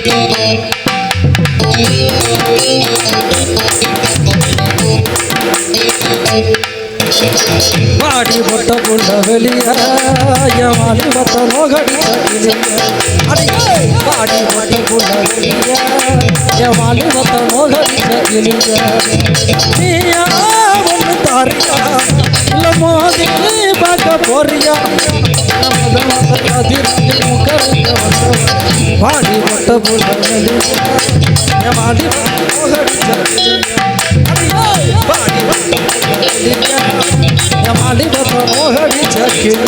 பாடி பொட்ட புள்ள வெளிய வாடி மத்த நோகடி பாடி பொட்ட புள்ள வெளிய வாடி மத்த நோகடி நீயா ஒன்று தாரியா இல்ல மோதி பார்க்க போறியா பாடி பொட்ட புள்ள வெளிய வாடி நோகடி மாடி மோகடி சக்கிலி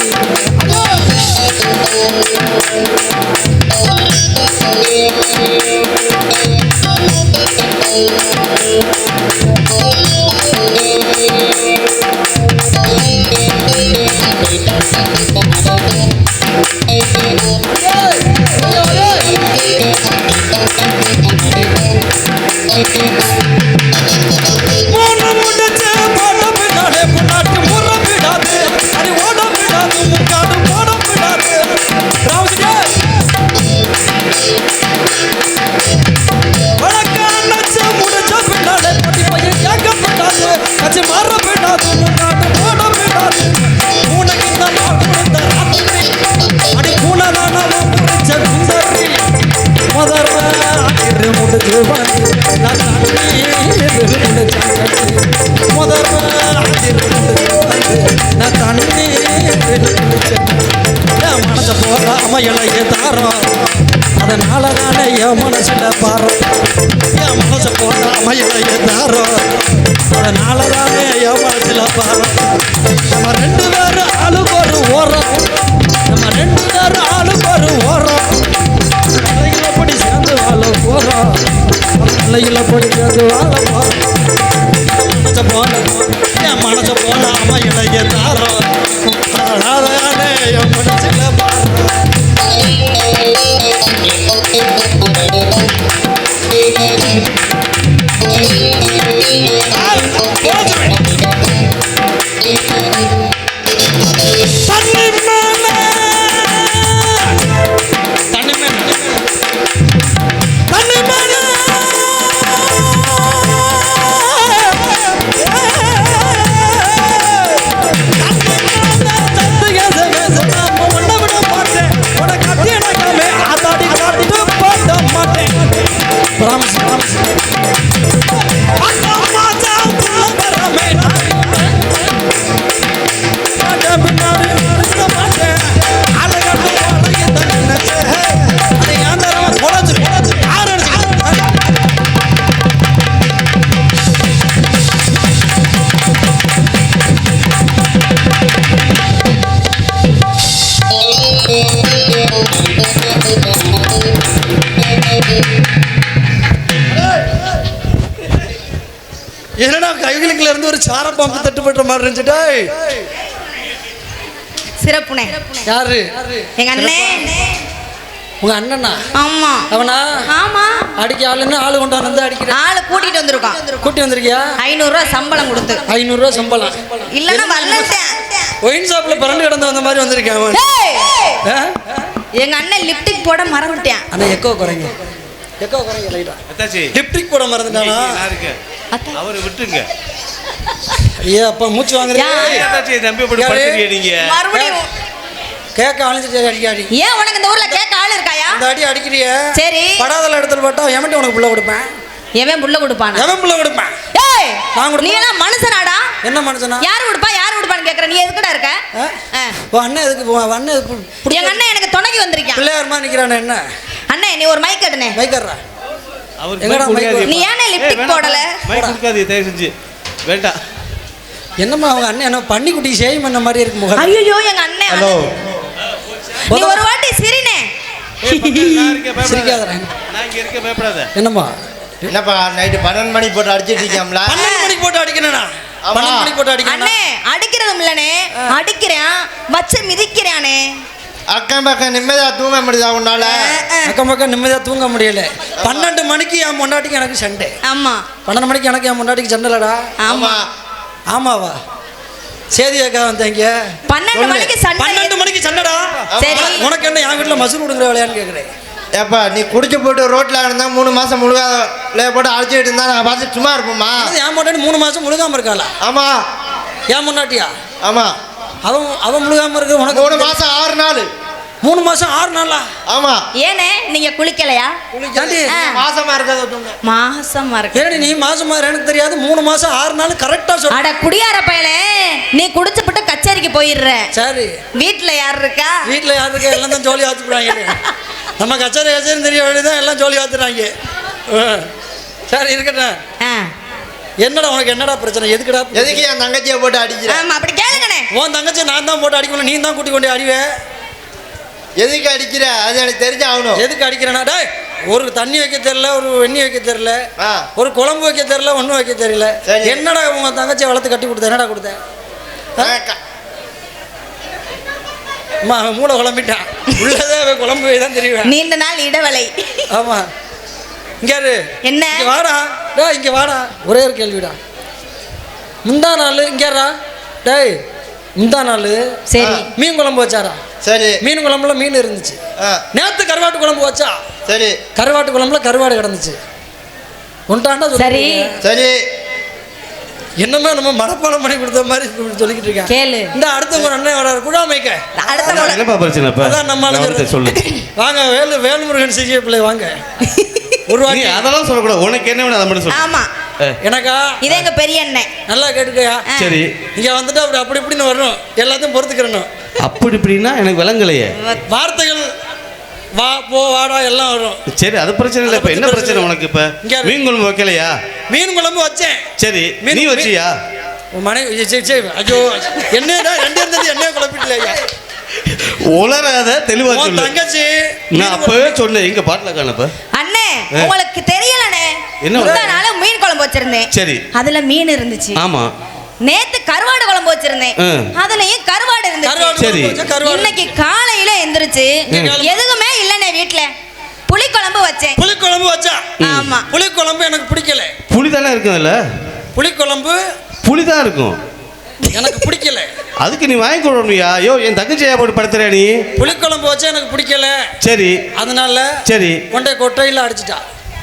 மனச போற அமையலையே தாரம் அதனால தானே என் மனசுல பாரம் என் மனச போற அமையலையே தாரம் அதனால தானே என் மனசுல பாரம் நம்ம ரெண்டு பேரும் ஆளுக்கு ஒரு ஓரம் நம்ம ரெண்டு பேரும் ஆளுக்கு ஒரு ஓரம் பிள்ளைகளை படி சேர்ந்து வாழ போறோம் பிள்ளைகளை படி சேர்ந்து வாழ போறோம் மனச போன என் மனச போன அமையலையே தாரம் அதனால தானே என் மனசுல பாரம் என்னடா கைகளுக்குள்ள இருந்து ஒரு சார பாம்பு தட்டுப்பட்ட மாதிரி இருந்துட்டா சிறப்புனே யாரு எங்க அண்ணே உங்க அண்ணனா ஆமா அவனா ஆமா அடிக்க ஆளுன்னு ஆளு கொண்டு வந்து அடிக்கிற ஆளு கூட்டிட்டு வந்திருக்கான் கூட்டி வந்திருக்கியா 500 ரூபாய் சம்பளம் கொடுத்து 500 ரூபாய் சம்பளம் இல்லன்னா வரலட்டேன் ஒயின் ஷாப்ல பரண்டு கிடந்து வந்த மாதிரி வந்திருக்கேன் அவன் எங்க அண்ணன் லிப்டிக் போட மறந்துட்டேன் அண்ணா எக்கோ குறைங்க லைட்டா அத்தாச்சி லிப்டிக் போட மறந்துட்டானா அவரை விட்டுங்க ஐயா அப்பா மூச்சு வாங்குறீங்க அத்தாச்சி தம்பி போட்டு படுத்துறீங்க நீங்க மறுபடியும் கேக்க அழிஞ்சிட்டு அடி ஏன் உனக்கு இந்த ஊர்ல கேக்க ஆளு இருக்காயா இந்த அடி அடிக்கிறிய சரி படாதல இடத்துல பட்டா எவன்ட்ட உனக்கு புள்ள கொடுப்பேன் எவன் புள்ள கொடுப்பானா எவன் புள்ள கொடுப்பான் ஏய் நீ எல்லாம் மனுஷனாடா என்ன மனுஷனா யாரு கொடுப்பான்னு கேக்குற நீ எதுக்குடா இருக்க ஓ அண்ணன் எதுக்கு அண்ணன் எங்க அண்ணன் எனக்கு துணைக்கு வந்திருக்கான் பிள்ளையார்மா நிக்கிறானே என்ன அண்ணே நீ ஒரு மைக் எடுனே மைக் எடுறா எங்கடா மைக் நீ ஏனே லிப்டிக் போடல மைக் கொடுக்காதீங்க தயவு செஞ்சு வேண்டாம் என்னம்மா அவங்க அண்ணன் என்ன பண்ணி குட்டி சேவ் பண்ண மாதிரி இருக்கு முகம் ஐயோ எங்க அண்ணன் ஹலோ நீ ஒரு வாட்டி சிரினே சிரிக்காதடா நான் இங்க இருக்க பயப்படாத என்னம்மா என்னப்பா நைட்டு 12 மணி போட்டு அடிச்சிட்டு இருக்கீங்களா 12 மணிக்கு போட்டு அடிக்கணும்னா 12 மணிக்கு போட்டு அடிக்கணும் அண்ணே அடிக்கிறதும் இல்லனே அடிக்கிறேன் வச்சு மிதிக்கிறானே அக்கம் பக்கம் நிம்மதியா தூங்க முடியுதா உன்னால அக்கம் பக்கம் நிம்மதியா தூங்க முடியல 12 மணிக்கு என் முன்னாடிக்கு எனக்கு சண்டை ஆமா 12 மணிக்கு எனக்கு என் முன்னாடிக்கு சண்டை இல்லடா ஆமா ஆமாவா சேதி அக்கா வந்தீங்க 12 மணிக்கு சண்டை 12 மணிக்கு சண்டைடா சரி உனக்கு என்ன என் வீட்டுல மசூர் விடுங்கிற வேலையான்னு கேக்குறேன் ஏப்பா நீ குடிச்சு போட்டு ரோட்ல இருந்தா 3 மாசம் முழுகாத போட்டு அழைச்சிட்டு இருந்தா நான் பார்த்து சும்மா இருப்போமா? என் பொண்டாட்டி 3 மாசம் முழுகாம இருக்காளா? ஆமா. ஏன் முன்னாட்டியா? ஆமா. அவன் முழுகாம இருக்கு. உனக்கு 3 மாசம் 6 நாள். 3 மாசம் 6 நாளா? ஆமா. ஏனே நீங்க குளிக்கலையா? ஏண்டி மாசமா இருக்கத மாசமா இருக்கு. ஏடி நீ மாசமா எனக்கு தெரியாது. 3 மாசம் 6 நாள் கரெக்டா சொல்ற. அட குடியார பயலே, நீ குடிச்சுப்புட்டு கச்சேரிக்கு போயிடுற. சரி. வீட்ல யார் இருக்கா? வீட்ல யார் இருக்கா? எல்லாம் தான் ஜோலி ஆத்துறாங்க. நம்ம கச்சேரி தெரிய வேண்டியதான் எல்லாம் ஜோலி ஆத்துறாங்க. சரி இருக்கட்டும். என்னடா உனக்கு என்னடா பிரச்சனை? எதுக்குடா? எதுக்கு என் தங்கச்சியை போட்டு அடிக்கிறேன்? ஆமா அப்படி கேளுங்கண்ணே. உன் தங்கச்சி நான் தான் போட்டு அடிக்கணும், நீ தான் கூட்டி கொண்டு அடிவேன். எதுக்கு அடிக்கிற? அது எனக்கு தெரிஞ்சு ஆகணும். எதுக்கு அடிக்கிறேன்னா டேய், ஒரு தண்ணி வைக்க தெரியல, ஒரு வெண்ணி வைக்க தெரியல, ஒரு குழம்பு வைக்க தெரியல, ஒன்றும் வைக்க தெரியல. என்னடா உங்க தங்கச்சியை வளர்த்து கட்டி கொடுத்த? என்னடா கொடுத்த? அவன் மூளை குழம்பிட்டான். உள்ளதே அவன் குழம்பு தான் தெரியும். நீண்ட நாள் இடவலை. ஆமா. இங்க என்ன வாடா டே, இங்க வாடா. ஒரே ஒரு கேள்விடா. முந்தா நாள் இங்கடா டேய், முந்தா நாள் சரி மீன் குழம்பு வச்சாரா? சரி. மீன் குழம்புல மீன் இருந்துச்சு. நேத்து கருவாட்டு குழம்பு வச்சா? சரி. கருவாட்டு குழம்புல கருவாடு கிடந்துச்சு. ஒன்றாண்டா சரி சரி. என்னமே நம்ம மனப்பாடம் பண்ணி கொடுத்த மாதிரி சொல்லிக்கிட்டு இருக்கேன். கேளு. இந்த அடுத்த ஒரு அண்ணன் வராரு குடாமைக்க. என்னப்பா பிரச்சனை? அதான் நம்ம சொல்லு. வாங்க வேல்முருகன் சிஜிஏ பிள்ளை வாங்க. நீ அதெல்லாம் சொல்லக்கூடாது. உனக்கு என்ன வேணும் அதை மட்டும் சொல்லு. ஆமா. எனக்கா? இதே எங்க பெரிய அண்ணன். நல்லா கேட்டுக்கயா. சரி. இங்க வந்துட்டு அப்படி இப்படின்னு வரணும், எல்லாத்தையும் பொறுத்துக்கிறணும். அப்படி இப்படின்னா எனக்கு விளங்கலையே. வார்த்தைகள் வா போ வாடா எல்லாம் வரும். சரி அது பிரச்சனை இல்லை. இப்போ என்ன பிரச்சனை உனக்கு? இப்போ மீன் குழம்பு வைக்கலையா? மீன் குழம்பு வச்சேன். சரி நீ வச்சியா? உன் மனைவி சரி ஐயோ என்னடா ரெண்டு இருந்தது என்ன குழப்பிட்டலையா? உளராத தெளிவா சொல்லு. தங்கச்சி நான் அப்பவே சொன்னேன் எங்க பாட்டில காணப்ப. அண்ணே உங்களுக்கு தெரியலனே. நாள மீன் குழம்பு வச்சிருந்தேன். சரி. அதுல மீன் இருந்துச்சு. ஆமா. நேத்து கருவாடு குழம்பு வச்சிருந்தேன். அதுலயும் கருவாடு இருந்துச்சு. சரி. இன்னைக்கு காலையில எந்திரிச்சு எதுவுமே இல்லனே வீட்ல. புளி குழம்பு வச்சேன். புளி குழம்பு வச்சா? ஆமா. புளி குழம்பு எனக்கு பிடிக்கல. புளி தானே இருக்கும் அதுல. புளி குழம்பு புளி தான் இருக்கும். எனக்கு பிடிக்கல. அதுக்கு நீ வாங்கி கொடுக்கணும்யா. ஐயோ என் தங்கச்சியா போட்டு படுத்துறியா நீ? புளி குழம்பு வச்சா எனக்கு பிடிக்கல. சரி. அதனால சரி கொட்டையில அடிச்சிட்டா.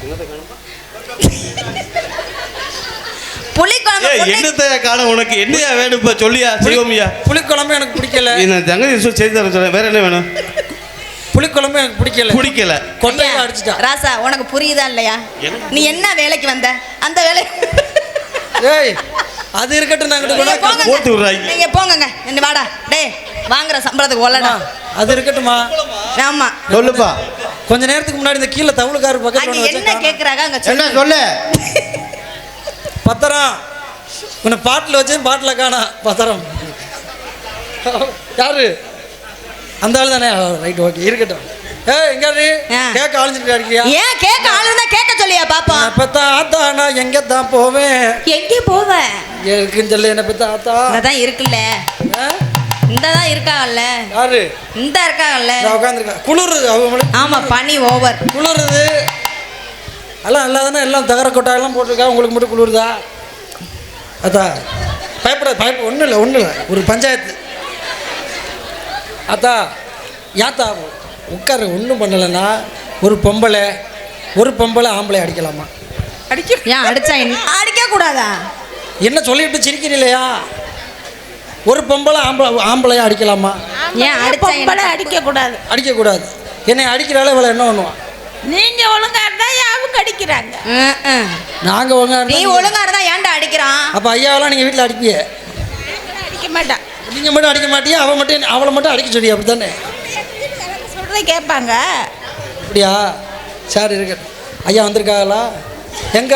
புளி குழம்பு என்னத்தை காண உனக்கு என்னையா வேணும் இப்ப சொல்லியா? செய்வோம்யா. புளி குழம்பு எனக்கு பிடிக்கல. நான் தங்கச்சி செய்து தர சொல்றேன். வேற என்ன வேணும்? புளி குழம்பு எனக்கு பிடிக்கல. கொட்டையில அடிச்சிட்டா. ராசா உனக்கு புரியுதா இல்லையா? நீ என்ன வேலைக்கு வந்த? அந்த வேலை ஏய் அது இருக்கட்டும். நாங்க போட்டு விடுறாங்க. நீங்க போங்கங்க. என்ன வாடா டேய், வாங்குற சம்பளத்துக்கு ஒல்லடா. அது இருக்கட்டுமா? ஆமா சொல்லுப்பா. கொஞ்ச நேரத்துக்கு முன்னாடி இந்த கீழ தவுளுக்காரு பக்கத்துல என்ன கேக்குறாங்க அங்க என்ன சொல்லு. பத்திரம் உன்னை பாட்டில் வச்சேன், பாட்டில் காணா பத்திரம். யாரு? அந்த ஆள் தானே? ரைட் ஓகே இருக்கட்டும். எங்க கேக்க ஆளுஞ்சிட்டு அடிக்கிறியா? ஏன் கேக்க ஆளுன்னா கேட்க சொல்லியா பாப்பா? பெத்த ஆத்தா நான் எங்க தான் போவேன்? எங்க போவேன்? இருக்குன்னு சொல்லு. என்ன பெத்த ஆத்தா அதான் இருக்குல்ல. இந்ததான் இருக்காங்கல்ல. யாரு? இந்த இருக்காங்கல்ல. உட்காந்துருக்கா. குளிருது அவங்க. ஆமா பனி ஓவர். குளிருது. எல்லாம் நல்லா தானே எல்லாம் தகர கொட்டாயெல்லாம் போட்டிருக்கா. உங்களுக்கு மட்டும் குளிருதா? அத்தா பயப்பட ஒன்றும் இல்லை. ஒரு பஞ்சாயத்து. அத்தா யாத்தா உட்கார ஒன்றும் பண்ணலைன்னா ஒரு பொம்பளை ஆம்பளை அடிக்கலாமா? ஏன் அடிச்சா என்ன? அடிக்க கூடாதா? என்ன சொல்லிட்டு சிரிக்கிறீங்களா? ஒரு பொம்பளை ஆம்பளையா அடிக்கலாமா? ஏன் அடிச்சா அடிக்கக்கூடாது. என்னை அடிக்கிறாள் இவளை என்ன பண்ணுவான்? நீங்க ஒழுங்கா இருந்தா அவங்க அடிக்கிறாங்க. நாங்க ஒழுங்கா நீ ஒழுங்கா இருந்தா ஏன்டா அடிக்கிறான்? அப்ப ஐயாவெல்லாம் நீங்க வீட்டுல அடிப்பிய? அடிக்க மாட்டான். நீங்க மட்டும் அடிக்க மாட்டியா? அவளை மட்டும் அடிக்க சொல்லியா? அப்படித்தானே சொல்றதை கேட்பாங்க. அப்படியா? சரி இருக்கட்டும். ஐயா வந்திருக்காங்களா? எங்க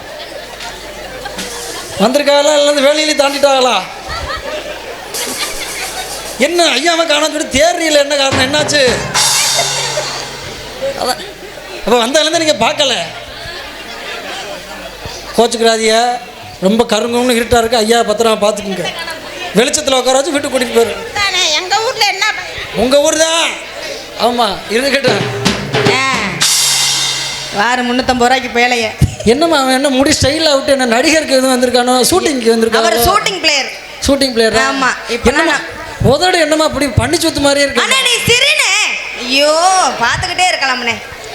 வந்திருக்காங்களா? இல்லை வேலையில தாண்டிட்டாங்களா? என்ன ஐயாவை காணாம சொல்லி தேர்றியில் என்ன காரணம்? என்னாச்சு? அதான் அப்போ வந்தாலேருந்து நீங்கள் பார்க்கல. கோச்சுக்கிறாதிய. ரொம்ப கருங்கன்னு இருட்டாக இருக்குது. ஐயா பத்திரமா பார்த்துக்குங்க. வெளிச்சத்தில் உட்கார வச்சு வீட்டுக்கு கூட்டிகிட்டு போயிரு. எங்கள் ஊரில் என்ன? உங்கள் ஊர் தான். ஆமாம் இருக்கட்டும். வாரம் 350 ரூபாய்க்கு பேலைய. என்னம்மா அவன் என்ன முடி ஸ்டைலாக விட்டு என்ன நடிகருக்கு எதுவும் வந்திருக்கானோ? ஷூட்டிங்க்கு வந்திருக்கானோ? அவர் ஷூட்டிங் பிளேயர். ஆமா. இப்போ என்னம்மா உதடு என்னம்மா அப்படி பண்ணி சுத்து மாதிரியே இருக்கு? அண்ணா நீ சிரினே. ஐயோ பார்த்துக்கிட்டே இருக்கலாம்ண்ணே.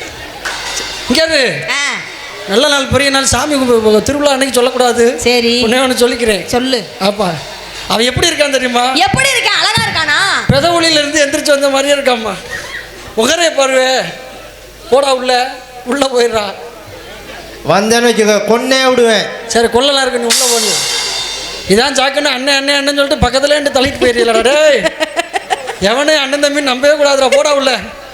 இங்கே ஆ, நல்ல நாள் பெரிய நாள் சாமி திருவிழா அன்னைக்கு சொல்லக்கூடாது. சரி ஒன்று சொல்லிக்கிறேன். சொல்லு. அப்பா அவன் எப்படி இருக்கான் தெரியுமா? எப்படி இருக்கான்? அழகா இருக்கானா? பெதவுளியில இருந்து எந்திரிச்சு வந்த மாதிரியே இருக்காம்மா. முகரே பாருவே. போடா உள்ள போயிடுறா. வந்தேன்னு வச்சுக்க கொன்னே விடுவேன். சரி கொள்ளலாம் இருக்கு, நீ உள்ள போனியும் இதான் சாக்குன்னு அண்ணன் அண்ணன் அண்ணன் சொல்லிட்டு பக்கத்துல இருந்து தள்ளிட்டு போயிடல. டேய் எவனே அண்ணன் தம்பி நம்பவே கூடாதுடா, போடா உள்ள.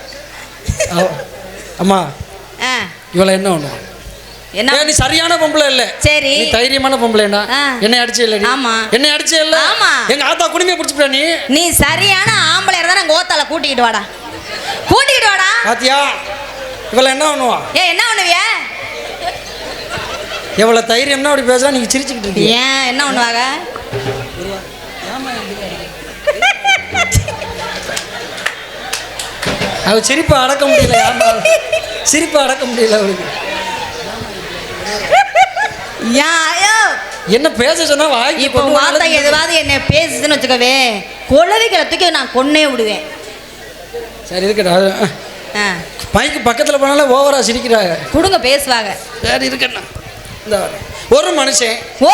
அம்மா ஆ, இவளை என்ன ஒண்ணு என்ன? நீ சரியான பொம்பளை இல்ல. சரி நீ தைரியமான பொம்பளைனா என்னை அடிச்சே இல்ல. ஆமா. என்னை அடிச்சே இல்ல. ஆமா. எங்க ஆத்தா குடுமையை பிடிச்சிட்ட. நீ சரியான ஆம்பளை இருந்தா கோத்தால கூட்டிக்கிட்டு வாடா. பாத்தியா இவளை என்ன பண்ணுவா? என்ன பண்ணுவிய? எவ்வளவு தைரியம்னா அப்படி பேசுறா, நீங்க சிரிச்சுக்கிட்டு இருக்கீங்க. ஏன் என்ன பண்ணுவாங்க? அவ சிரிப்பை அடக்க முடியல. சிரிப்பை அடக்க முடியல அவளுக்கு. என்ன பேச சொன்னா வாங்கி இப்போ வார்த்தை எதுவாது என்ன பேசுதுன்னு வச்சுக்கவே, குழந்தைகளை தூக்கி நான் கொன்னே விடுவேன். சரி இருக்கட்டா. மைக்கு பக்கத்தில் போனாலும் ஓவரா சிரிக்கிறாங்க. கொடுங்க பேசுவாங்க. சரி இருக்கட்டா. ஒரு மனுஷன்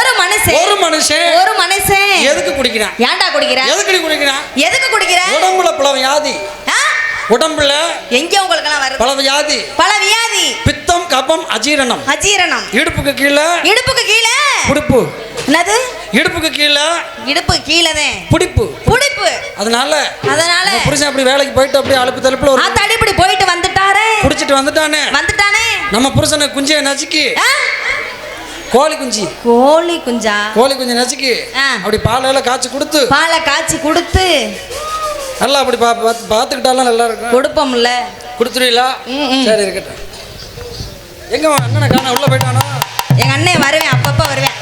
எதுக்கு குடிக்கிறான்? ஏன்டா குடிக்கிறான்? எதுக்கு குடிக்கிறான்? உடம்புல பல வியாதி. உடம்புல எங்க உங்களுக்கு எல்லாம் வருது? பல வியாதி. பித்தம், கபம், அஜீரணம். இடுப்புக்கு கீழே புடிப்பு. என்னது? இடுப்புக்கு கீழே புடிப்பு. அதனால புருஷன் அப்படி வேலைக்கு போயிட்டு அப்படியே அலுப்பு தலுப்புல ஒரு தடிப்படி போயிட்டு வந்துட்டாரே. குடிச்சிட்டு வந்துட்டானே. நம்ம புருஷனை குஞ்சியை நசுக்கி கோழி குஞ்சு நசுக்கி அப்படி பாலை காய்ச்சி கொடுத்து நல்லா அப்படி பார்த்துக்கிட்டாலும் நல்லா இருக்கும். கொடுப்போம்ல. கொடுத்துருவீங்களா? சரி இருக்கட்டும். எங்க அண்ணனை காண உள்ள போயிட்டானா? எங்க அண்ணன் வருவேன், அப்பப்ப வருவேன்.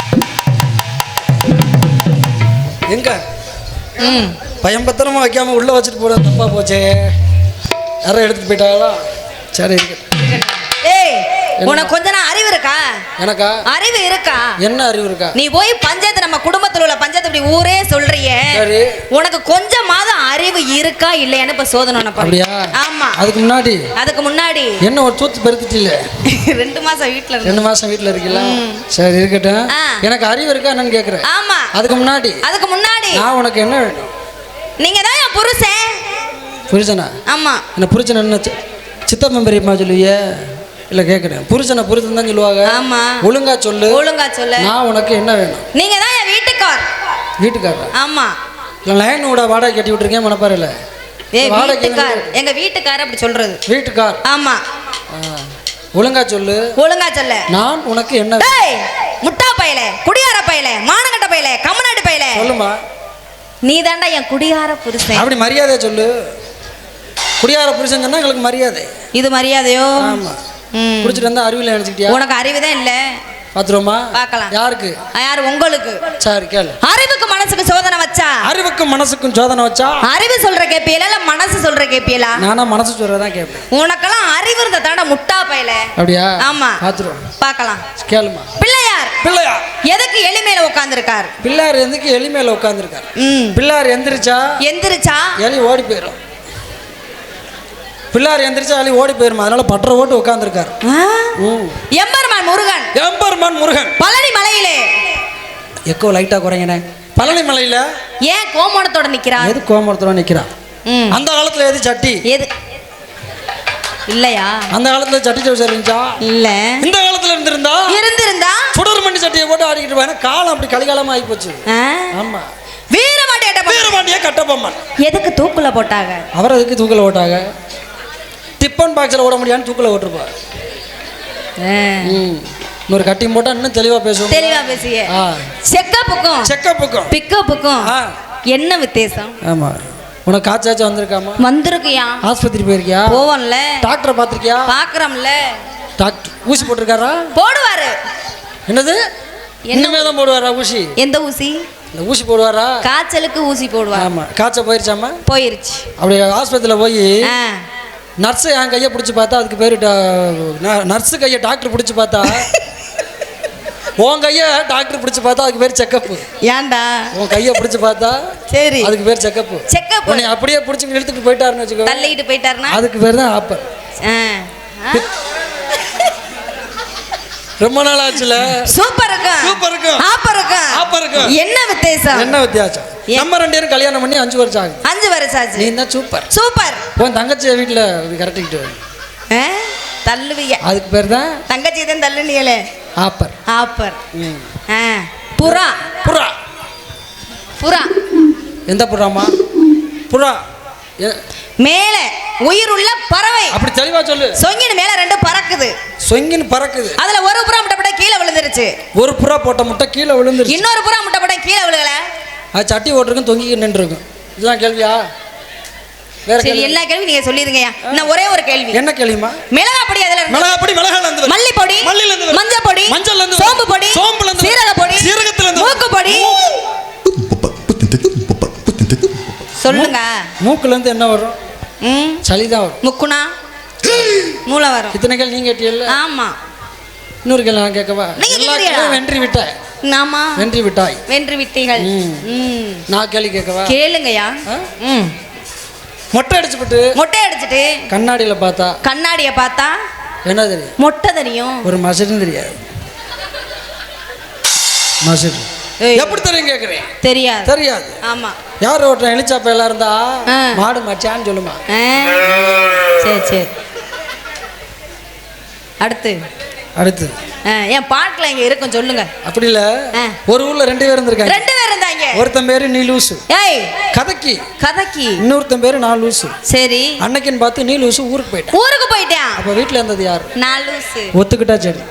எங்க பயம் பத்திரமா வைக்காம உள்ள வச்சுட்டு போற தப்பா போச்சே. யாரும் எடுத்துட்டு போயிட்டாங்களா? சரி இருக்கட்டும். உனக்கு கொஞ்ச நான் அறிவு இருக்கா? எனக்கா அறிவு இருக்கா? என்ன அறிவு இருக்கா? நீ போய் பஞ்சாயத்து, நம்ம குடும்பத்துல உள்ள பஞ்சாயத்து இப்படி ஊரே சொல்றியே, உனக்கு கொஞ்சமாவது அறிவு இருக்கா இல்லையான்னு இப்ப சோதனை அப்படியா? ஆமா. அதுக்கு முன்னாடி என்ன ஒரு தூத்து பெருத்துட்டில்ல? 2 மாசம் வீட்டுல 2 மாசம் வீட்டுல இருக்கீங்களா? சரி இருக்கட்டும். எனக்கு அறிவு இருக்கா என்னன்னு கேக்குறேன். ஆமா. அதுக்கு முன்னாடி நான் உனக்கு என்ன வேணும்? நீங்க தான் என் புருஷனா? ஆமா. என்ன புருஷன் என்ன சித்தப்பன் பெரியம்மா சொல்லுவிய? இல்ல கேக்குறேன். புருஷன் தான் சொல்லுவாங்க. ஆமா. ஒழுங்கா சொல்லு. நான் உனக்கு என்ன வேணும்? நீங்க தான் என் வீட்டுக்காரர். ஆமா. லைன் கூட வாடகை கட்டி விட்டுருக்கேன் மனப்பாறையில. எங்க வீட்டுக்காரர் அப்படி சொல்றது. வீட்டுக்கார். ஆமா. ஒழுங்கா சொல்லு. நான் உனக்கு என்ன? முட்டா பயலே, குடியார பயலே, மானங்கட்ட பயலே, கம்மநாட்டு பயலே. சொல்லுமா. நீ தாண்டா என் குடியார புருஷன். அப்படி மரியாதையா சொல்லு. குடியார புருஷன் சொன்னா எங்களுக்கு மரியாதை. இது மரியாதையோ? ஆமா. குடிச்சிட்டு வந்தா அறிவில்லை நினைச்சிட்டியா? உனக்கு அறிவுதான் இல்ல. பாத்துருமா? பார்க்கலாம். யாருக்கு? உங்களுக்கு. சரி கேளு. அறிவுக்கு மனசுக்கு சோதனை வச்சா? அறிவுக்கும் மனசுக்கும் சோதனை வச்சா? அறிவு சொல்ற கேப்பியல இல்ல மனசு சொல்ற கேப்பியல? நானா மனசு சொல்றதான் கேப்பேன். உனக்கெல்லாம் அறிவு இருந்த தாண்ட முட்டா பயல. அப்படியா? ஆமா. பாத்துருவோம். பார்க்கலாம். கேளுமா. பிள்ளையார் எதுக்கு எலிமேல உட்கார்ந்திருக்கார்? பிள்ளையார் எதுக்கு எலிமேல உட்கார்ந்திருக்கார்? பிள்ளையார் எந்திரிச்சா எலி ஓடி போயிடும். பிள்ளார் எந்திரிச்சா அலி ஓடி போயிருமா. அதனால பற்ற ஓட்டு உட்கார்ந்துருக்காரு. எம்பெருமான் முருகன் பழனி மலையிலே. எக்கோ லைட்டா குறைங்கண்ணே. பழனி மலையில ஏன் கோமணத்தோட நிக்கிறான்? எது கோமணத்தோட நிக்கிறான்? அந்த காலத்துல எது சட்டி? எது இல்லையா? அந்த காலத்துல சட்டி சவுசர் இருந்துச்சா? இல்ல. இந்த காலத்துல இருந்திருந்தா சுடர் மண்ணி சட்டியை போட்டு ஆடிக்கிட்டு போய் காலம் அப்படி கலிகாலமா ஆகி போச்சு. ஆமா. வீரமாண்டிய கட்டபொம்மன் எதுக்கு தூக்குல போட்டாங்க? அவர் எதுக்கு தூக்குல போட்டாங்க? டிப்பன் பாக்ஸில் ஓட முடியான்னு தூக்கில் ஓட்டுருப்பார். இன்னொரு கட்டிங் போட்டால் இன்னும் தெளிவாக பேசுவோம். பேசிய செக்கப்புக்கும் பிக்கப்புக்கும் என்ன வித்தியாசம்? ஆமாம். உனக்கு காய்ச்சாச்சும் வந்திருக்கியா? ஆஸ்பத்திரி போயிருக்கியா? போவோம்ல. டாக்டரை பார்த்துருக்கியா? பார்க்குறோம்ல. டாக்டர் ஊசி போட்டிருக்காரா? போடுவாரு. என்னது? இன்னுமே தான் போடுவாரா ஊசி? எந்த ஊசி? இந்த ஊசி போடுவாரா? காய்ச்சலுக்கு ஊசி போடுவார். ஆமாம். காய்ச்சல் போயிருச்சாமா? போயிருச்சு. அப்படி ஆஸ்பத்திரியில் போய் நர்ஸு என் கையை பிடிச்சி பார்த்தா அதுக்கு பேர் நர்ஸு கையை டாக்டர் பிடிச்சி பார்த்தா உன் கையை டாக்டர் பிடிச்சி பார்த்தா அதுக்கு பேர் செக்கப்பு. ஏன்டா? உன் கையை பிடிச்சி பார்த்தா சரி அதுக்கு பேர் செக்கப்பு. உன்னை அப்படியே பிடிச்சி இழுத்துட்டு போயிட்டாருன்னு வச்சுக்கோ. தள்ளிட்டு போயிட்டாருன்னா அதுக்கு பேர் தான் ஆப்பர். ரொம்ப நாள் ஆச்சுல. சூப்பர் இருக்கும். சூப்பர் இருக்கும். ஆப்பர் இருக்கும். ஆப்பர் இருக்கும். என்ன வித்தியாசம்? என்ன வித்தியாசம்? நம்ம 2 பேரும் கல்யாணம் பண்ணி 5 வருஷம் ஆகுது. 5 வருஷம் ஆச்சு. நீ தான் சூப்பர். சூப்பர். உன் தங்கச்சி வீட்டுல கரெக்டிக்கிட்டு தள்ளுவிய. அதுக்கு பேர் தான் தங்கச்சி தான் தள்ளுனியலே. ஆப்பர். ஆப்பர். புறா. புறா. புறா. எந்த புறாமா? புறா மேல உயிர் உள்ள பறவை. அப்படி தெளிவா சொல்லு. சொங்கின் மேல 2 பறக்குது. சொங்கின் பறக்குது. அதுல ஒரு புறா முட்டை கீழே விழுந்துருச்சு. ஒரு புறா போட்ட முட்டை கீழே விழுந்துருச்சு. இன்னொரு புறா முட்டை கீழே விழுகல. அது சட்டி ஓட்டுருக்கும் தொங்கி நின்றுருக்கும். இதுதான் கேள்வியா? வேற சரி, எல்லா கேள்வி நீங்க சொல்லிருங்கயா. இன்னும் ஒரே ஒரு கேள்வி. என்ன கேள்விமா? மிளகா பொடி அதுல இருந்து. மிளகா பொடி மிளகால இருந்து. மல்லி பொடி மல்லில இருந்து. மஞ்சள் பொடி மஞ்சள்ல இருந்து. சோம்பு பொடி சோம்புல இருந்து. சீரக பொடி சீரகத்துல இருந்து. மூக்கு பொடி. சொல்லுங்க. மூக்குல இருந்து என்ன வரும்? சளிதான் வரும். முக்குனா மூளை வரும். இத்தனை கேள்வி நீங்க கேட்டீங்கல்ல? ஆமா. இன்னொரு கேள்வி நான் கேட்கவா? எல்லா கேள்வியும் வென்றி விட்டாய். ஆமா. வென்றி விட்டாய். வென்று விட்டீர்கள். நான் கேள்வி கேட்கவா? கேளுங்கயா. மொட்டை அடிச்சுட்டு மொட்டை அடிச்சிட்டு கண்ணாடியில பார்த்தா கண்ணாடிய பார்த்தா என்ன தெரியும்? மொட்டை தெரியும். ஒரு மசடும் தெரியாது. மசடு எப்படி தெரியும் கேக்குறேன்? தெரியாது. தெரியாது. ஆமா. யார் ஓட்டுற எலிச்சாப்ப எல்லாம் இருந்தா மாடு மச்சான்னு சொல்லுமா. சரி சரி. அடுத்து அடுத்து என் பாட்டுல இங்க இருக்கும் சொல்லுங்க. அப்படி இல்ல. ஒரு ஊர்ல 2 பேர் இருந்திருக்காங்க. 2 பேர் இருந்தாங்க. ஒருத்தன் பேரு நீ லூசு. ஏய் கதக்கி. கதக்கி. இன்னொருத்தன் பேரு நான் லூசு. சரி. அன்னைக்குன்னு பார்த்து நீ லூசு ஊருக்கு போயிட்டான். ஊருக்கு போயிட்டான். அப்ப வீட்டுல இருந்தது யாரு? நான் லூசு. ஒத்துக்கிட்டா சரி.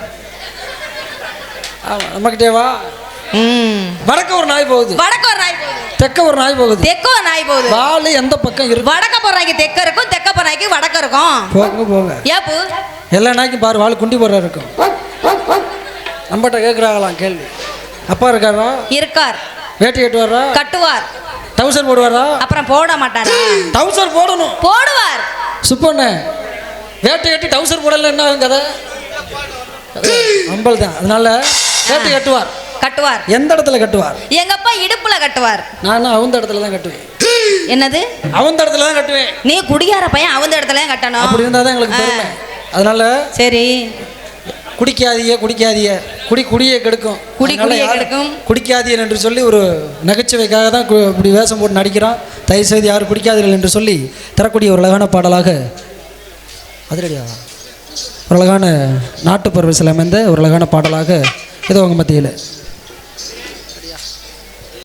ஆமா நம்மகிட்டே வா. வடக்க ஒரு நாய் போகுது. வடக்க ஒரு நாய் போகுது. தெக்க ஒரு நாய் போகுது. தெக்க ஒரு நாய் போகுது. வாலு எந்த பக்கம் இருக்கு? வடக்க போறாங்க தெக்க இருக்கும், தெக்க போறாங்க வடக்க இருக்கும். போங்க போங்க. ஏப்பு எல்லா நாய்க்கும் பாரு வாலு குண்டி போற இருக்கும். நம்மகிட்ட கேட்குறாங்களாம் கேள்வி. அப்பா இருக்காரா? இருக்கார். வேட்டி கட்டு வர்றா? கட்டுவார். டவுசர் போடுவாரா? அப்புறம் போட மாட்டாரா? டவுசர் போடணும். போடுவார். சுப்பண்ணே வேட்டி கட்டி டவுசர் போடல என்ன ஆகும் கதை? அம்பல் தான். அதனால வேட்டி கட்டுவார். கட்டுவார். எந்த இடத்துல கட்டுவார்? எங்க அப்பா இடுப்புல கட்டுவார். நானும் அவந்த இடத்துல தான் கட்டுவேன். என்னது? அவந்த இடத்துல தான் கட்டுவேன். நீ குடியார பையன் அவந்த இடத்துல தான் கட்டணும். அப்படி இருந்தா தான் எங்களுக்கு பெருமை. அதனால சரி குடிக்காதீங்க குடிக்காதீங்க குடியை கெடுக்கும். குடியை கெடுக்கும். குடிக்காதீர்கள் என்று சொல்லி ஒரு நகைச்சுவைக்காக தான் இப்படி வேஷம் போட்டு நடிக்கிறோம். தயவுசெய்து யாரும் குடிக்காதீர்கள் என்று சொல்லி தரக்கூடிய ஒரு அழகான பாடலாக அதிரடியாக ஒரு அழகான நாட்டுப்பறவை சில அமைந்த ஒரு அழகான பாடலாக ஏதோ உங்கள் மத்தியில்